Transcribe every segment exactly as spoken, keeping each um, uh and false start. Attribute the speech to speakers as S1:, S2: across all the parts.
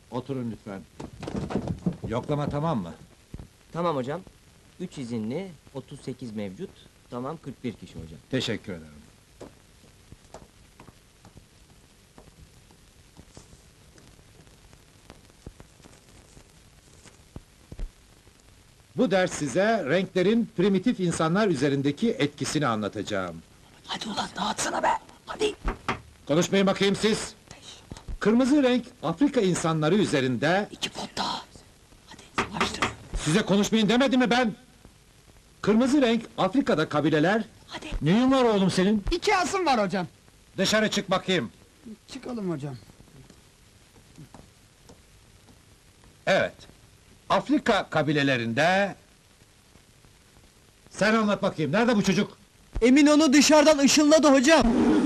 S1: Oturun lütfen. Yoklama tamam mı?
S2: Tamam hocam. Üç izinli, otuz sekiz mevcut. Tamam, kırk bir kişi hocam.
S1: Teşekkür ederim. Bu ders size renklerin primitif insanlar üzerindeki etkisini anlatacağım.
S3: Hadi ulan dağıtsana be! Hadi!
S1: Konuşmayın bakayım siz! Kırmızı renk, Afrika insanları üzerinde...
S3: İki pot daha! Hadi savaştır!
S1: Size konuşmayın demedim mi ben? Kırmızı renk, Afrika'da kabileler...
S3: Hadi!
S1: Neyin var oğlum senin?
S4: İki asım var hocam.
S1: Dışarı çık bakayım.
S4: Çıkalım hocam.
S1: Evet. Afrika kabilelerinde... Sen anlat bakayım, nerede bu çocuk?
S4: Emin onu dışarıdan ışınladı hocam.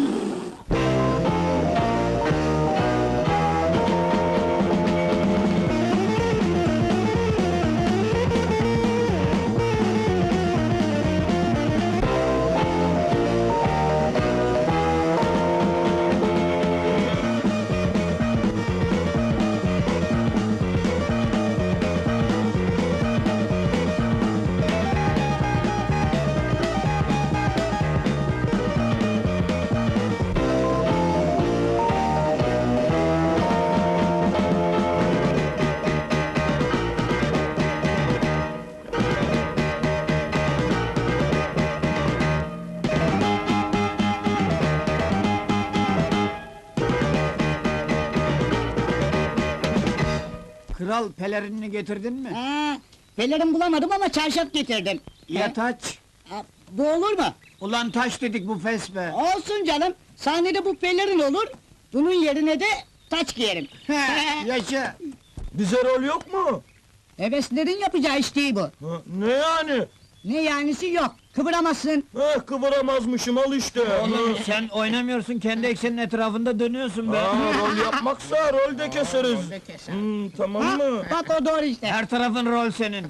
S5: Kral pelerinini getirdin mi?
S6: Ha, pelerin bulamadım ama çarşaf getirdim.
S5: Ya taç?
S6: Ha, bu olur mu?
S5: Ulan taş dedik bu fes be!
S6: Olsun canım, sahnede bu pelerin olur, bunun yerine de taç giyerim.
S5: He, yaşa!
S4: Bize rol yok mu?
S6: Heveslerin yapacağı iş değil bu.
S4: Ne yani?
S6: Ne yanisi yok, kıvıramazsın.
S4: Eh kıvıramazmışım al işte.
S5: Oğlum sen oynamıyorsun, kendi eksenin etrafında dönüyorsun be!
S4: Aa, rol yapmaksa rol de keseriz. Hmm, tamam
S6: Ha,
S4: mı?
S6: bak o doğru işte.
S5: Her tarafın rol senin!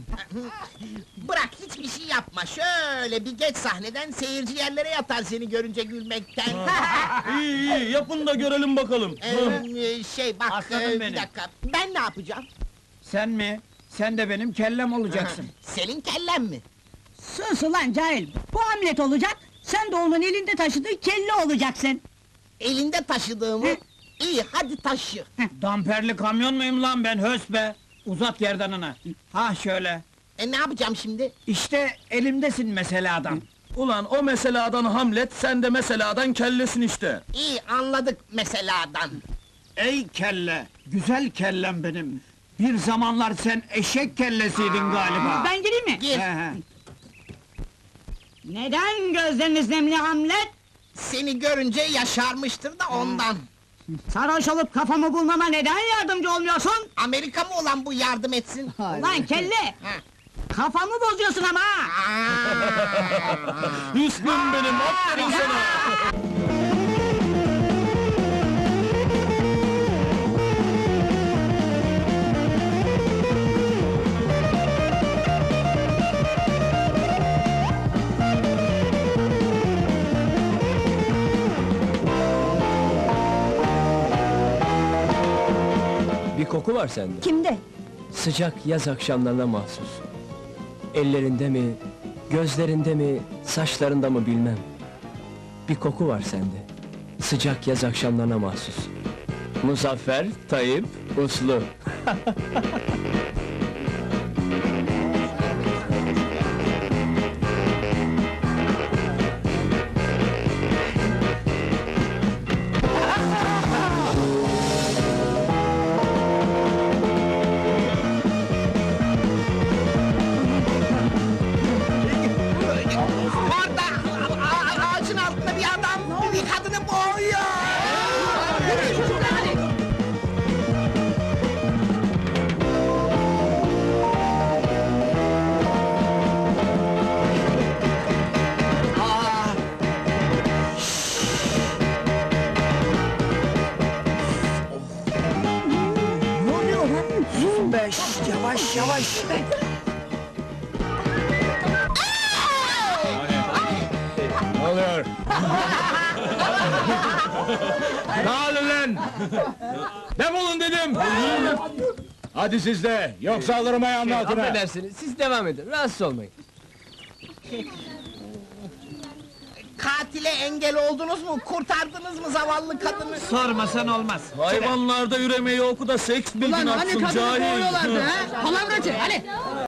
S7: Bırak hiçbir şey yapma, şöyle bir geç sahneden seyirci yerlere yatar seni görünce gülmekten.
S4: İyi iyi yapın da görelim bakalım.
S7: Ee, şey bak,
S5: Aslanım
S7: e, bir
S5: benim.
S7: dakika, ben ne yapacağım?
S5: Sen mi? Sen de benim kellem olacaksın!
S7: Senin kellen mi?
S6: Sus ulan cahil, bu Hamlet olacak, sen de onun elinde taşıdığı kelle olacaksın.
S7: Elinde taşıdığımı?
S6: Hı.
S7: İyi, hadi taşı.
S5: Damperli kamyon muyum lan ben, hös be! Uzat gerdanını! Ha şöyle!
S7: E ne yapacağım şimdi?
S5: İşte elimdesin mesela adam!
S4: Ulan o meseladan Hamlet, sen de meseladan kellesin işte.
S7: İyi, anladık meseladan.
S5: Ey kelle! Güzel kellem benim! Bir zamanlar sen eşek kellesiydin galiba!
S6: Ben gireyim mi?
S7: Gir,
S5: He he.
S6: Neden gözleriniz nemli Hamlet?
S7: seni görünce yaşarmıştır da ondan.
S6: Sarhoş olup kafamı bulmama neden yardımcı olmuyorsun?
S7: Amerika mı olan bu yardım etsin?
S6: Ulan kelle!
S7: Ha.
S6: Kafamı bozuyorsun ama! ha!
S7: Aa!
S4: Hüsnüm benim, aferin sana!
S8: Bir koku var sende.
S6: Kimde?
S8: Sıcak yaz akşamlarına mahsus. Ellerinde mi, gözlerinde mi, saçlarında mı bilmem. Bir koku var sende. Sıcak yaz akşamlarına mahsus. Muzaffer, Tayyip, Uslu.
S7: Orada, a- a- ağacın altında bir adam, bir kadını boğuyor!
S5: Beş, yavaş yavaş!
S1: Ne oluyor?
S4: Dağılın lan! Defolun dedim! Hadi siz de, yoksa alırım ayağımın altına!
S8: Affedersiniz, siz devam edin, rahatsız olmayın.
S7: Katile engel oldunuz mu? Kurtardınız mı zavallı kadını?
S5: Sormasan olmaz.
S4: Hayvanlarda üremeyi oku da seks bilgin atsın cahil!
S3: Palavracı hadi.